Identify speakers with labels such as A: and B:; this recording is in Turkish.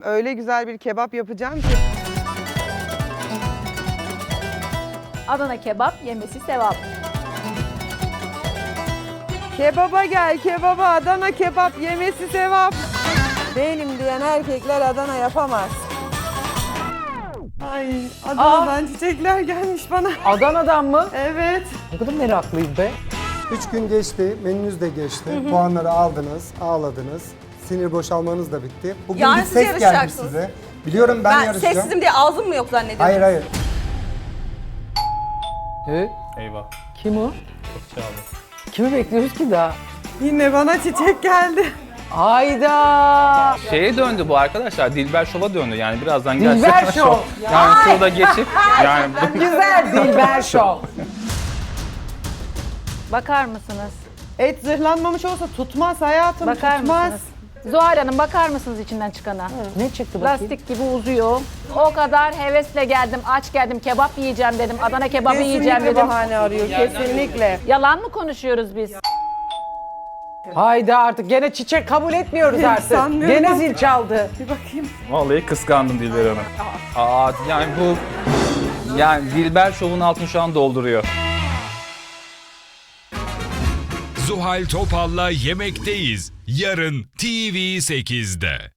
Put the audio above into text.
A: Öyle güzel bir kebap yapacağım ki.
B: Adana kebap yemesi sevap.
A: Kebaba gel, kebaba, Adana kebap yemesi sevap. Benim diyen erkekler Adana yapamaz. Ay, Adana'dan çiçekler gelmiş bana.
C: Adana'dan mı?
A: Evet.
C: Ne kadar meraklıyım be.
D: 3 gün geçti, menünüz de geçti. Puanları aldınız, ağladınız. Sinir boşalmanız da bitti. Bugün
E: Yarın
D: bir
E: siz
D: ses gelmiş
E: yarışacaksınız.
D: size. Biliyorum ben
E: Ben
D: yarışacağım.
E: sessizim diye ağzım mı yok zannediyorsun?
D: Hayır hayır.
F: Eyvah.
C: Kim o?
F: Çaldı.
C: Kimi bekliyoruz ki daha?
A: Yine bana çiçek geldi.
C: Hayda!
F: Şeye döndü bu arkadaşlar. Dilber Şov'a döndü. Yani birazdan
C: Dilber Şov.
F: Yani şurada geçip yani bu
C: Güzel Dilber Show.
B: Bakar mısınız?
A: Et zırhlanmamış olsa tutmaz hayatım,
B: Bakar
A: tutmaz.
B: mısınız? Zuhal Hanım bakar mısınız içinden çıkana?
C: Ne çıktı bakayım?
B: Lastik gibi uzuyor. O kadar hevesle geldim, aç geldim, kebap yiyeceğim dedim, Adana kebabı yiyeceğim
A: Kesinlikle
B: dedim.
A: bahane arıyor, kesinlikle.
B: Yalan mı konuşuyoruz biz?
C: Hayda artık gene çiçek kabul etmiyoruz artık.
A: Sanmıyorum
C: Gene
A: ama.
C: zil çaldı.
A: Bir bakayım.
F: vallahi kıskandım Dilber Hanım. Aa yani bu yani Dilber Şov'un altını şu an dolduruyor.
G: Zuhal Topal'la Yemekteyiz. Yarın TV8'de.